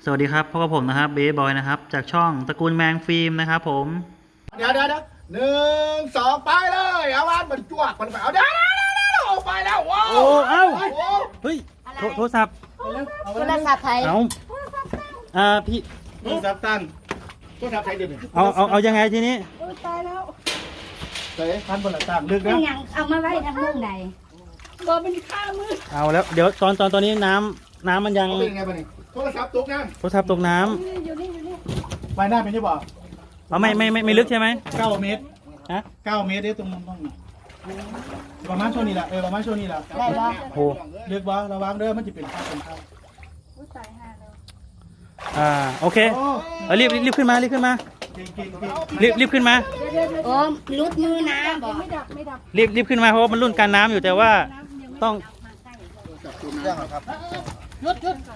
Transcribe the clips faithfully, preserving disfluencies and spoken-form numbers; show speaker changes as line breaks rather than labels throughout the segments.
สวัสดีครับพบกับผมนะครับเบย์บอยนะครับจากช่องตระกูลแมงฟิล์มนะครับผม
เดี๋ยวเดี๋ยวหนึ่งสองไปเลยเอาวันมันจวกมันไปเอาเดี๋ยวเดี๋ยวเดี๋ยวเดี๋ยวไปแล้วว้าว
โอ้เอ้าเฮ้ยโทรศัพท์
โทรศัพท์ไทย
เอาอ่าพี่
โทรศัพท์ตั้งโทรศัพท์ไทยเดี๋ยวนี้
เอาเอาเอายังไงทีนี้
ตายแล้ว
เฮ้ยพันบนหลังตั้งลึก
ยั
นะ
งยังเอามาไว้ทางมุมใดบ่เป็นข้ามือ
เอาแล้วเดี๋ยวตอนตอนตอนนี้น้ำน้ำมันยัง
เอาเป็นไงบ้างนี่โทรศัพท์ตกน้
โทรศัพท์ตกน้
อยู่นี่อยู่นี่
ำไปหน้าเป็นที่บอก
ำเอาไม่ไม่ไม่ไม่ลึกใช่ไหม
เก้าเมตร
ฮะ
เก้าเมตรเด้ตรงมุมต้องประมาณช่วงนี้แหละเออประมาณช่วงนี้แหละ
ได้บ่
โอ้
ลึกบ่ระวังเด้อมันจะเป็นข้าวเป็นข้าว
ตายห่าแล้ว
อ่าโอเค
โอ้
เอารีบรีบขึ้นมารีบขึ้นมา
เก่งเก่งเก่ง
รีบรีบขึ้นมา
โอ้ลุดมือนะบ่ไม่ดับไม่ดับ
รีบรีบขึ้นมาเพราะว่ามันรุ่นการน้ำอยู่แต่ว่าต้อง
เรื่องครับยุดยุด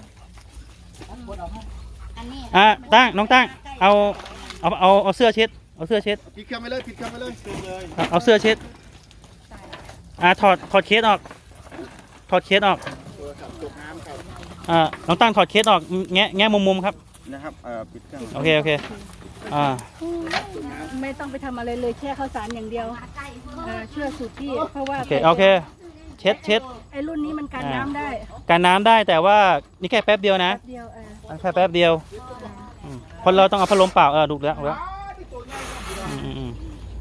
อันนี้
อ่าตั้งน้องตั้งเอาเอาเอาเอาเสื้อเช็ดเอาเสื้อเช็ด
ปิดเครื่องไปเลยปิดเครื่องไปเลยปิดเลย
เอาเอาเสื้อเช็ดอ่าถอดถอดเคสออกถอดเคสออก
โทรศัพท์ตกน้ำครับ
อ่าน้องตั้งถอดเคสออกแงะแงะมุมมุมๆครับ
นะครับเอ่อปิดเครื่อง
โอเคโอเคอ่า
ไม่ต้องไปทำอะไรเลยแช่ข้าวสารอย่างเดียวอ่าเชื่อสูตรพี่เพราะว่า
โอเคโอเคเช็ดเช็ด
ไอ้รุ่นนี้มันกันน้ำได้
การน้ำได้แต่ว่านี่แค่แป๊บเดียวนะ
เดียวเออ
แค่แป๊บเดียวอืมเพราะเราต้องเอาพัดลมเปล่าเออดูแล้วดูแล้วอืมอืมอืม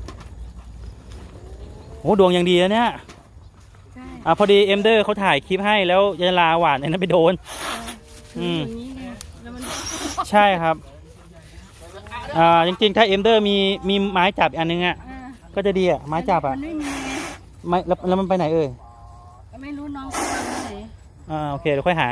โอ้ดวงยังดีนะเนี่ย
ใช่
อ่าพอดีเอ็มเดอร์เขาถ่ายคลิปให้แล้วยาลาหวานไอ้นั้นไปโดน อืม
อย่างนี้ไงแล้วมัน
ใช่ครับอ่าจริงๆถ้าเอ็มเดอร์มีมีไม้จับอันนึงอ่ะ
อ่า
ก็จะดีอ่ะไม้จับอ่ะ
มันไม่มีไง
ไม่แล้วแล้วมันไปไหนเอ่ย
ไม่รู้น้องเขาวางไว้ไหน
อ่าโอเคเดี๋ยวค่อยหา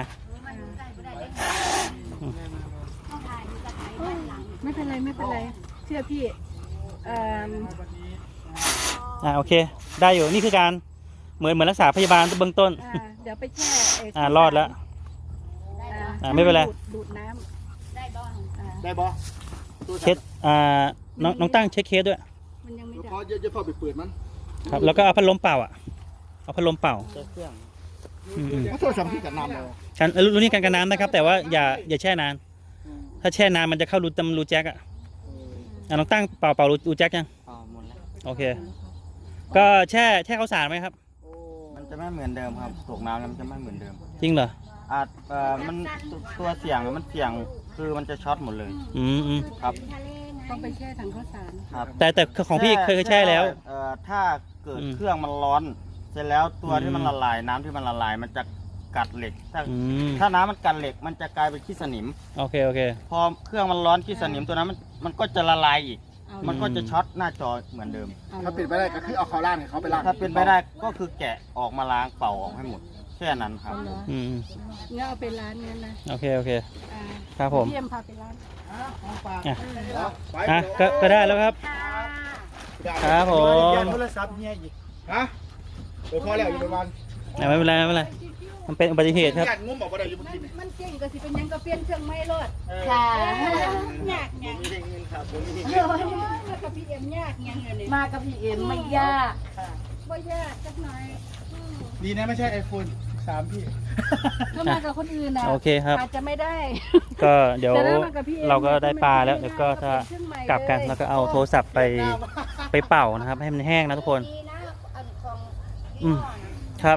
ไม่เป็นไรไม่เป็นไรเชื่อพี่เอ่อ
อ่าโอเค ได้อยู่นี่คือการเหมือนเหมือนรักษาพยาบาลเบื้องต้น
อ่าเดี๋ยวไปแช่ไ
อ่ารอดแล้ว
อ่า
อ่าไม่เป็นไร
ดูดดูดน้ำ
ได้บ่
อ่า
ได้บ่
เช็ดอ่าน้องน้องตั้งเช็คเคสด้วย
มันยังไม่ดั
พอบ เยอะจะพอไปเปิดมัน
ครับแล้วก็เอาพัดลมเป่าอ่ะเอาพัดลมเป่าอืมอืม
เพราะโทรศัพท์ที่กับน้ำเลย
การเอ่อรุ่นนี้การกันน้ำนะครับ แต่ว่าอย่าอย่าแช่นาน ถ้าแช่นานมันจะเข้ารูตำรูแจ็คอ่ะอ่าน้องตั้งเป่าเป่ารูรูแจ็คยัง
อ๋อหมดแล้ว
โอเค ก็แช่แช่ข้าวสารไหมครับ
มันจะไม่เหมือนเดิมครับตกน้ำแล้วมันจะไม่เหมือนเดิม
จริงเหรอ
อาจเอ่อมันตัวเสี่ยงมันเสี่ยงคือมันจะช็อตหมดเลย
อืมอืม
ครับ
ต้องไปแช่ถังข้าวสาร
ครับ
แต่แต่ของพี่เคยเคยแช่แล้ว
เอ่อถ้าเกิด
อืม
เครื่องมันร้อน เสร็จแล้วตัว
อืม
ที่มันละลายน้ำที่มันละลายมันจะกัดเหล็ก ถ้า
อืม
ถ้าน้ำมันกัดเหล็ก มันจะกลายเป็นขี้สนิม
โอเคโอเค
พอเครื่องมันร้อนขี้สนิมตัวนั้นมันมันก็จะละลายอีก
เอา
มันก็จะช็อตหน้าจอเหมือนเดิม
เอา
ถ้าปิดไม่ได้ก็คือเอาเขาล่างให้เขาไปล่าง
ถ้าเป็นไปได้ก็คือแกะออกมาล้างเป่าออกให้หมดแค่นั้นครับ
เอาเหรอ
อืม
งั้นเอาไปร้านนี้นะ
โอเคโอเค
อ่า
ครับผม
เยี่ยมพาไปร้าน
อ่ะ
ไป
อ่ะก็ก็ได้แล้วครับ ครับผม
โทรศัพท์เฮียอีกฮะเออพอแล้วอยู่ประมาณ
อ่ะไม่เป็นไรไม่เป็นไรมันเป็นอุบัติเหตุครับ
ญาติงุ้มบอกว่าได้อยู่บนที่นี่
มันเก่งก็สิเป็นหยังก็เปลี่ยนเครื่องไม่รถ
ค่ะ
ยากยาก
มีเงินครับผมมี
เออแล้วก็พี่เอ็มยากยังไงเนี่ย
มากับพี่เอ็มไม่ยาก
บ่ยากจักหน่อย
ดีนะไม่ใช่ไอโฟนสามพี่
ถ้ามากับคนอื่นนะ
โอเคครับ
อาจจะไม่ได้
ก็เดี๋ยว
แต่ถ้ามากับพี่เอ็ม
เราก็ได้ปลาแล้ว
มัน
เดี๋ยว
ไม่
ก็
ได้
ถ้า
เป็นเครื่องใหม่
กลับกัน
เลย
แล้วก็เอาโทรศัพท์ไปไปเป่านะครับ ให้มันแห้งนะทุกคน
ดีนะอันของ
อืมครับ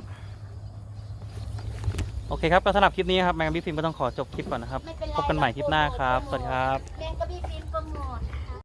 โอเคครับก็สำหรับคลิปนี้ครับแมงบิ๊กฟิล์มก็ต้องขอจบคลิปก่อนนะครับ พบกันใหม่คลิปหน้าครับ สวัสดีครับ
แมงกะบี้ฟิล์มโปรโมท